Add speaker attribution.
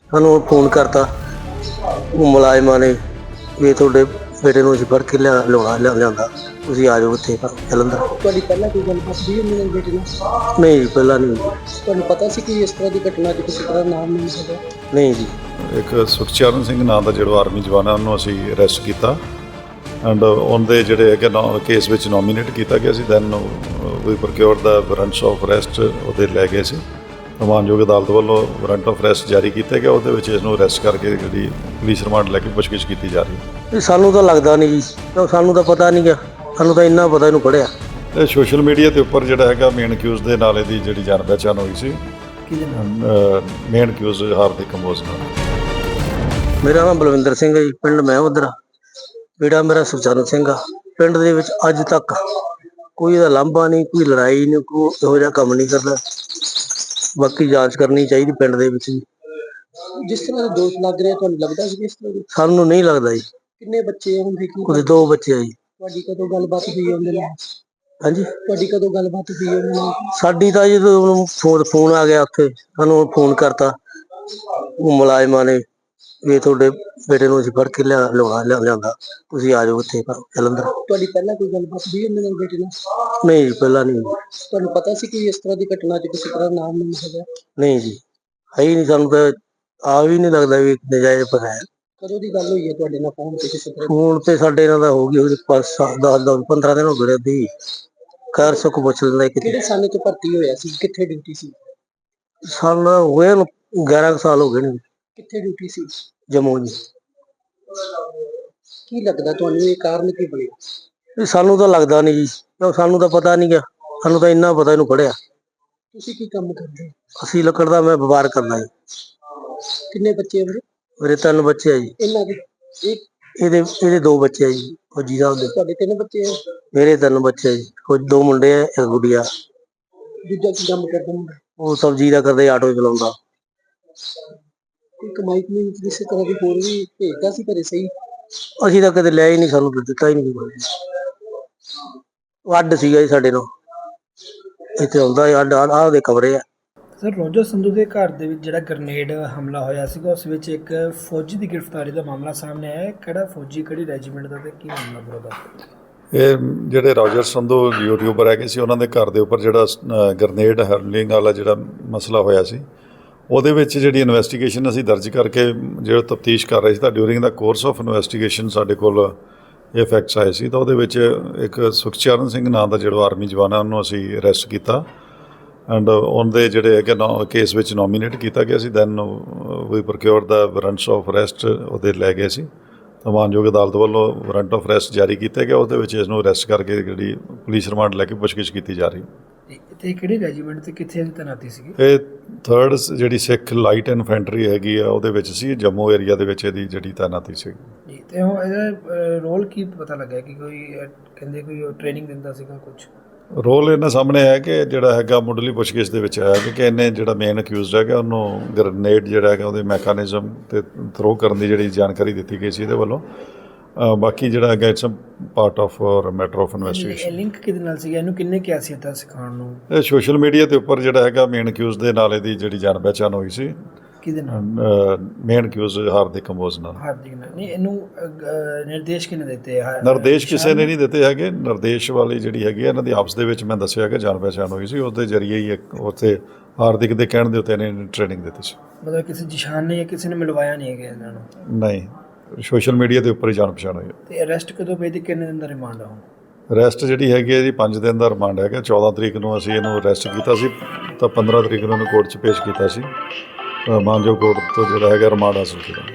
Speaker 1: ਸਾਨੂੰ ਫੋਨ ਕਰਤਾ ਉਹ ਮੁਲਾਜ਼ਮਾਂ ਨੇ ਵੀ ਤੁਹਾਡੇ ਬੇਟੇ ਨੂੰ ਅਸੀਂ ਫੜ ਕੇ ਲਿਆਂਦਾ, ਤੁਸੀਂ ਆ ਜਾਓ ਇੱਥੇ ਜਲੰਧਰ।
Speaker 2: ਤੁਹਾਡੀ ਪਹਿਲਾਂ ਕੋਈ ਗੱਲਬਾਤ ਹੋਈ ਉਹਨਾਂ ਨਾਲ ਬੇਟੇ ਨਾਲ?
Speaker 1: ਨਹੀਂ ਜੀ, ਪਹਿਲਾਂ ਨਹੀਂ।
Speaker 2: ਤੁਹਾਨੂੰ ਪਤਾ ਸੀ ਕਿ ਇਸ ਤਰ੍ਹਾਂ ਦੀ ਘਟਨਾ 'ਚ ਕਿਸੇ ਤਰ੍ਹਾਂ ਨਾਮ ਨਹੀਂ ਹੈਗਾ?
Speaker 1: ਨਹੀਂ ਜੀ।
Speaker 3: ਇੱਕ ਸੁਖਚਰਨ ਸਿੰਘ ਨਾਂ ਦਾ ਜਿਹੜਾ ਆਰਮੀ ਜਵਾਨ ਹੈ ਉਹਨੂੰ ਅਸੀਂ ਅਰੈਸਟ ਕੀਤਾ ਐਂਡ ਉਹਦੇ ਜਿਹੜੇ ਹੈਗੇ ਕੇਸ ਵਿੱਚ ਨੋਮੀਨੇਟ ਕੀਤਾ ਗਿਆ ਸੀ। Then we procure the warrants of arrest ਉਹਦੇ ਲੈ ਗਏ ਸੀ। ਮਾਨਯੋਗ ਅਦਾਲਤ ਵੱਲੋਂ ਵਾਰੰਟ ਆਫ ਅਰੈਸਟ ਜਾਰੀ ਕੀਤਾ ਗਿਆ, ਉਹਦੇ ਵਿੱਚ ਇਸ ਨੂੰ ਅਰੈਸਟ ਕਰਕੇ ਜਿਹੜੀ ਪੁਲਿਸ ਰਿਮਾਂਡ ਲੈ ਕੇ ਪੁੱਛਗਿੱਛ ਕੀਤੀ ਜਾ ਰਹੀ ਹੈ।
Speaker 1: ਇਹ ਸਾਨੂੰ ਤਾਂ ਲੱਗਦਾ ਨਹੀਂ ਜੀ, ਸਾਨੂੰ ਤਾਂ ਪਤਾ ਨਹੀਂ ਗਾ, ਸਾਨੂੰ ਤਾਂ ਇੰਨਾ ਪਤਾ ਇਹਨੂੰ ਪੜ੍ਹਿਆ।
Speaker 3: ਇਹ ਸੋਸ਼ਲ ਮੀਡੀਆ ਦੇ ਉੱਪਰ ਜਿਹੜਾ ਹੈਗਾ ਮੇਨ ਅਕਿਊਜ਼ ਦੇ ਨਾਲ ਇਹਦੀ ਜਿਹੜੀ ਜਾਣ ਪਹਿਚਾਣ ਹੋਈ ਸੀ।
Speaker 2: ਕਿਹਦੇ ਨਾਲ?
Speaker 3: ਮੇਨ ਅਕਿਊਜ਼ ਹਾਰਦਿਕ ਕੰਬੋਜ ਨਾਲ।
Speaker 1: ਮੇਰਾ ਨਾਮ ਬਲਵਿੰਦਰ ਸਿੰਘ ਹੈ ਜੀ, ਪਿੰਡ ਮੈਂ ਉਧਰ, ਬੇਟਾ ਮੇਰਾ ਸੁਖਚਰਨ ਸਿੰਘ ਆ। ਪਿੰਡ ਦੇ ਵਿੱਚ ਅੱਜ ਤੱਕ ਕੋਈ ਇਹਦਾ ਲਾਂਭਾ ਨਹੀਂ, ਕੋਈ ਲੜਾਈ ਨਹੀਂ, ਕੋਈ ਇਹੋ ਜਿਹਾ ਕੰਮ ਨਹੀਂ ਕਰਦਾ। ਬਾਕੀ ਜਾਂਚ ਕਰਨੀ ਚਾਹੀਦੀ ਪਿੰਡ ਦੇ ਵਿੱਚ ਜੀ।
Speaker 2: ਜਿਸ ਤਰ੍ਹਾਂ ਦੇ ਦੋਸ਼ ਲੱਗ ਰਹੇ ਤੁਹਾਨੂੰ ਲੱਗਦਾ ਸੀ ਇਸ ਤਰ੍ਹਾਂ ਦੇ?
Speaker 1: ਸਾਨੂੰ ਨਹੀਂ ਲੱਗਦਾ ਜੀ।
Speaker 2: ਕਿੰਨੇ ਬੱਚੇ ਹੁੰਦੇ ਕੀ?
Speaker 1: ਉਹਦੇ 2 ਬੱਚੇ ਆ ਜੀ।
Speaker 2: ਤੁਹਾਡੀ ਕਦੋਂ ਗੱਲਬਾਤ ਹੋਈ ਉਹਦੇ ਨਾਲ?
Speaker 1: ਹਾਂਜੀ,
Speaker 2: ਤੁਹਾਡੀ ਕਦੋਂ ਗੱਲਬਾਤ ਹੋਈ ਉਹਦੇ ਨਾਲ?
Speaker 1: ਸਾਡੀ ਤਾਂ ਜਦੋਂ ਉਹਨੂੰ ਫੋਨ ਆ ਗਿਆ ਉੱਥੇ, ਸਾਨੂੰ ਫੋਨ ਕਰਤਾ ਉਹ ਮੁਲਾਜ਼ਮਾਂ ਨੇ ਵੀ ਤੁਹਾਡੇ ਬੇਟੇ ਨੂੰ ਅਸੀਂ ਫੜ ਕੇ ਲਿਆਂਦਾ, ਤੁਸੀਂ ਆ ਜਾਓ ਇੱਥੇ ਜਲੰਧਰ।
Speaker 2: ਤੁਹਾਡੀ ਪਹਿਲਾਂ ਕੋਈ ਗੱਲਬਾਤ ਹੋਈ ਉਹਨਾਂ ਨਾਲ ਬੇਟੇ ਨਾਲ?
Speaker 1: ਨਹੀਂ ਜੀ, ਪਹਿਲਾਂ ਨਹੀਂ।
Speaker 2: ਤੁਹਾਨੂੰ ਪਤਾ ਸੀ ਕਿ ਇਸ ਤਰ੍ਹਾਂ ਦੀ ਘਟਨਾ 'ਚ ਕਿਸੇ ਤਰ੍ਹਾਂ ਨਾਮ ਨਹੀਂ ਹੈਗਾ?
Speaker 1: ਨਹੀਂ ਜੀ, ਹੈ ਹੀ ਨਹੀਂ। ਸਾਨੂੰ ਤਾਂ ਆ ਵੀ ਨਹੀਂ ਲੱਗਦਾ ਵੀ ਨਜਾਇਜ਼ ਪਤਾ ਹੈ।
Speaker 2: ਕਦੋਂ ਦੀ ਗੱਲ ਹੋਈ ਹੈ ਤੁਹਾਡੇ ਨਾਲ ਫੋਨ ਤੇ ਕਿਸੇ ਤਰ੍ਹਾਂ?
Speaker 1: ਫੋਨ ਤੇ ਸਾਡੇ ਨਾਲ ਤਾਂ ਹੋ ਗਈ 15 ਦਿਨ ਹੋ ਗਏ ਦੀ। ਖੈਰ ਸੁੱਖ ਪੁੱਛ ਲੈਂਦਾ
Speaker 2: ਕਿਹੜੇ
Speaker 1: ਕਿਤੇ।
Speaker 2: ਸਾਲ 'ਚ ਭਰਤੀ ਹੋਇਆ ਸੀ? ਕਿੱਥੇ ਡਿਊਟੀ ਸੀ?
Speaker 1: ਸਾਲ ਹੋਏ ਨੂੰ 11 ਸਾਲ ਹੋ ਗਏ ਨੇ।
Speaker 2: ਕਿੱਥੇ ਡਿਊਟੀ ਸੀ?
Speaker 1: ਜੰਮੂ ਜੀ।
Speaker 2: ਕੀ ਲੱਗਦਾ ਤੁਹਾਨੂੰ ਇਹ ਕਾਰਨ ਕੀ ਬਣਿਆ?
Speaker 1: ਇਹ ਸਾਨੂੰ ਤਾਂ ਲੱਗਦਾ ਨਹੀਂ ਜੀ, ਸਾਨੂੰ ਤਾਂ ਪਤਾ ਨਹੀਂ ਗਾ, ਸਾਨੂੰ ਤਾਂ ਇੰਨਾ ਪਤਾ ਇਹਨੂੰ ਪੜ੍ਹਿਆ।
Speaker 2: ਤੁਸੀਂ ਕੀ ਕੰਮ ਕਰਦੇ ਹੋ?
Speaker 1: ਅਸੀਂ ਲੱਕੜ ਦਾ ਮੈਂ ਵਪਾਰ ਕਰਦਾ ਜੀ।
Speaker 2: ਕਿੰਨੇ ਬੱਚੇ ਵੀਰੇ?
Speaker 1: ਮੇਰੇ 3 ਬੱਚੇ ਆ ਜੀ।
Speaker 2: ਇਹਨਾਂ ਦੇ
Speaker 1: ਇਹਦੇ 2 ਬੱਚੇ ਆ ਜੀ, ਫੌਜੀ ਸਾਹਿਬ ਦੇ।
Speaker 2: ਤੁਹਾਡੇ 3 ਬੱਚੇ ਆ?
Speaker 1: ਮੇਰੇ 3 ਬੱਚੇ ਆ ਜੀ, ਕੁਝ 2 ਮੁੰਡੇ ਆ, 1 ਗੁੱਡੀਆ।
Speaker 2: ਦੂਜਾ ਕੀ ਕੰਮ ਕਰਦਾ ਮੁੰਡਾ?
Speaker 1: ਉਹ ਸਬਜ਼ੀ ਦਾ ਕਰਦੇ, ਆਟੋ ਚਲਾਉਂਦਾ।
Speaker 2: ਕੋਈ ਕਮਾਈ ਕਮਾਈ ਕਿਸੇ ਤਰ੍ਹਾਂ ਦੀ ਹੋਰ ਵੀ ਭੇਜਦਾ ਸੀ ਘਰੇ? ਸਹੀ।
Speaker 1: ਅਸੀਂ ਤਾਂ ਕਦੇ ਲਿਆ ਹੀ ਨਹੀਂ, ਸਾਨੂੰ ਤਾਂ ਦਿੱਤਾ ਹੀ ਨਹੀਂ ਕੋਈ। ਉਹ ਅੱਡ ਸੀਗਾ ਜੀ ਸਾਡੇ ਨਾਲ, ਇੱਥੇ ਆਉਂਦਾ ਅੱਡ, ਆਹ ਦੇ ਕਮਰੇ ਆ।
Speaker 2: ਸਰ, ਰੋਜਰ ਸੰਧੂ ਦੇ ਘਰ ਦੇ ਵਿੱਚ ਜਿਹੜਾ ਗ੍ਰਨੇਡ ਹਮਲਾ ਹੋਇਆ ਸੀਗਾ, ਉਸ ਵਿੱਚ ਇੱਕ ਫੌਜੀ ਦੀ ਗ੍ਰਿਫਤਾਰੀ ਦਾ ਮਾਮਲਾ ਸਾਹਮਣੇ ਆਇਆ। ਕਿਹੜਾ ਫੌਜੀ, ਕਿਹੜੀ ਰੈਜੀਮੈਂਟ ਦਾ ਤੇ ਕੀ ਮਾਮਲਾ ਪੂਰਾ ਦਾ?
Speaker 3: ਇਹ ਜਿਹੜੇ ਰੋਜਰ ਸੰਧੂ ਯੂਟਿਊਬਰ ਹੈਗੇ ਸੀ, ਉਹਨਾਂ ਦੇ ਘਰ ਦੇ ਉੱਪਰ ਜਿਹੜਾ ਗ੍ਰਨੇਡ ਹਰਲਿੰਗ ਵਾਲਾ ਜਿਹੜਾ ਮਸਲਾ ਹੋਇਆ ਸੀ, ਉਹਦੇ ਵਿੱਚ ਜਿਹੜੀ ਇਨਵੈਸਟੀਗੇਸ਼ਨ ਅਸੀਂ ਦਰਜ ਕਰਕੇ ਜਿਹੜਾ ਤਫਤੀਸ਼ ਕਰ ਰਹੇ ਸੀ, ਤਾਂ during the course of investigation ਸਾਡੇ ਕੋਲ ਇਹ ਫੈਕਟਸ ਆਏ ਸੀ। ਤਾਂ ਉਹਦੇ ਵਿੱਚ ਇੱਕ ਸੁਖਚਰਨ ਸਿੰਘ ਨਾਂ ਦਾ ਜਿਹੜਾ ਆਰਮੀ ਜਵਾਨ ਹੈ ਉਹਨੂੰ ਅਸੀਂ ਅਰੈਸਟ ਕੀਤਾ ਐਂਡ ਉਹਦੇ ਜਿਹੜੇ ਹੈਗੇ ਕੇਸ ਵਿੱਚ ਨੋਮੀਨੇਟ ਕੀਤਾ ਗਿਆ ਸੀ। Then we procure the warrants of arrest ਉਹਦੇ ਲੈ ਗਏ ਸੀ। ਤਾਂ ਮਾਨਯੋਗ ਅਦਾਲਤ ਵੱਲੋਂ ਵਾਰੰਟ ਆਫ ਅਰੈਸਟ ਜਾਰੀ ਕੀਤਾ ਗਿਆ, ਉਹਦੇ ਵਿੱਚ ਇਸ ਨੂੰ ਅਰੈਸਟ ਕਰਕੇ ਜਿਹੜੀ ਪੁਲਿਸ ਰਿਮਾਂਡ ਲੈ ਕੇ ਪੁੱਛਗਿੱਛ ਕੀਤੀ ਜਾ ਰਹੀ ਹੈ।
Speaker 2: ਤੇ ਕਿਹੜੀ ਰੈਜੀਮੈਂਟ ਤੇ ਕਿੱਥੇ ਦੀ ਤੈਨਾਤੀ ਸੀਗੀ?
Speaker 3: ਇਹ 3rd ਜਿਹੜੀ ਸਿੱਖ ਲਾਈਟ ਇਨਫੈਂਟਰੀ ਹੈਗੀ ਆ, ਉਹਦੇ ਵਿੱਚ ਸੀ, ਜੰਮੂ ਏਰੀਆ ਦੇ ਵਿੱਚ ਇਹਦੀ ਜਿਹੜੀ ਤੈਨਾਤੀ ਸੀ।
Speaker 2: ਜੀ, ਤੇ ਉਹ ਇਹਦਾ ਰੋਲ ਕੀ ਪਤਾ ਲੱਗਿਆ ਕਿ ਕੋਈ ਕਹਿੰਦੇ ਕੋਈ ਟ੍ਰੇਨਿੰਗ ਦਿੰਦਾ ਸੀਗਾ ਕੁਝ?
Speaker 3: ਰੋਲ ਇਹਨਾਂ ਸਾਹਮਣੇ ਆਇਆ ਕਿ ਜਿਹੜਾ ਹੈਗਾ ਮੁੱਢਲੀ ਪੁੱਛਗਿੱਛ ਦੇ ਵਿੱਚ ਆਇਆ ਕਿ ਇਹਨੇ ਜਿਹੜਾ ਮੇਨ ਅਕਿਊਜ਼ਡ ਹੈਗਾ ਉਹਨੂੰ ਗ੍ਰਨੇਡ ਜਿਹੜਾ ਹੈਗਾ ਉਹਦੇ ਮੈਕੈਨਿਜ਼ਮ ਤੇ ਥਰੋ ਕਰਨ ਦੀ ਜਿਹੜੀ ਜਾਣਕਾਰੀ ਦਿੱਤੀ ਗਈ ਸੀ ਇਹਦੇ ਵੱਲੋਂ। ਬਾਕੀ ਜਿਹੜਾ ਹੈਗਾ it's part of matter of investigation.
Speaker 2: Link ਕਿਹਦੇ ਨਾਲ ਸੀਗਾ? ਇਹਨੂੰ ਕਿੰਨੇ ਕਿਹਾ ਸੀ ਤਾਂ ਸਿਖਾਉਣ ਨੂੰ?
Speaker 3: ਇਹ ਸੋਸ਼ਲ ਮੀਡੀਆ ਦੇ ਉੱਪਰ ਜਿਹੜਾ ਹੈਗਾ ਮੇਨ ਅਕਿਊਜ਼ਡ ਦੇ ਨਾਲ ਇਹਦੀ ਜਿਹੜੀ ਜਾਣ ਪਹਿਚਾਣ ਹੋਈ ਸੀ।
Speaker 2: ਕਿਹਦੇ ਨਾਲ?
Speaker 3: ਮੇਨ ਅਕਿਊਜ਼ਡ ਹਾਰਦਿਕ ਕੰਬੋਜ ਨਾਲ।
Speaker 2: ਹਾਰਦਿਕ ਨਾਲ ਨਹੀਂ, ਇਹਨੂੰ ਨਿਰਦੇਸ਼ ਕਿਹਨੇ ਦਿੱਤੇ?
Speaker 3: ਨਿਰਦੇਸ਼ ਕਿਸੇ ਨੇ ਨਹੀਂ ਦਿੱਤੇ ਹੈਗੇ। ਨਿਰਦੇਸ਼ ਵਾਲੀ ਜਿਹੜੀ ਹੈਗੀ ਇਹਨਾਂ ਦੀ ਆਪਸ ਦੇ ਵਿੱਚ ਮੈਂ ਦੱਸਿਆ ਕਿ ਜਾਣ ਪਹਿਚਾਣ ਹੋਈ ਸੀ, ਉਹਦੇ ਜ਼ਰੀਏ ਹੀ ਉੱਥੇ ਹਾਰਦਿਕ ਦੇ ਕਹਿਣ ਦੇ ਉੱਤੇ ਇਹਨੇ ਟ੍ਰੇਨਿੰਗ ਦਿੱਤੀ ਸੀ।
Speaker 2: ਮਤਲਬ ਕਿਸੇ ਜਿਸ਼ਾਨ ਨੇ ਜਾਂ ਕਿਸੇ ਨੇ ਮਿਲਵਾਇਆ ਨਹੀਂ ਹੈਗਾ ਇਹਨਾਂ ਨੂੰ?
Speaker 3: ਨਹੀਂ, ਸੋਸ਼ਲ ਮੀਡੀਆ ਦੇ ਉੱਪਰ ਹੀ ਜਾਣ ਪਛਾਣ ਹੋਈ ਹੈ।
Speaker 2: ਤੇ ਅਰੈਸਟ ਕਦੋਂ ਪਈ ਤੇ ਕਿੰਨੇ ਦਿਨ ਦਾ ਰਿਮਾਂਡ ਆ?
Speaker 3: ਅਰੈਸਟ ਜਿਹੜੀ ਹੈਗੀ ਹੈ ਜੀ 5 ਦਿਨ ਦਾ ਰਿਮਾਂਡ ਹੈਗਾ। 14 ਤਰੀਕ ਨੂੰ ਅਸੀਂ ਇਹਨੂੰ ਅਰੈਸਟ ਕੀਤਾ ਸੀ, ਤਾਂ 15 ਤਰੀਕ ਨੂੰ ਇਹਨੂੰ ਕੋਰਟ 'ਚ ਪੇਸ਼ ਕੀਤਾ ਸੀ। ਮਾਨਯੋਗ ਕੋਰਟ ਤੋਂ ਜਿਹੜਾ ਹੈਗਾ ਰਿਮਾਂਡ ਹਾਸਲ ਕੀਤਾ।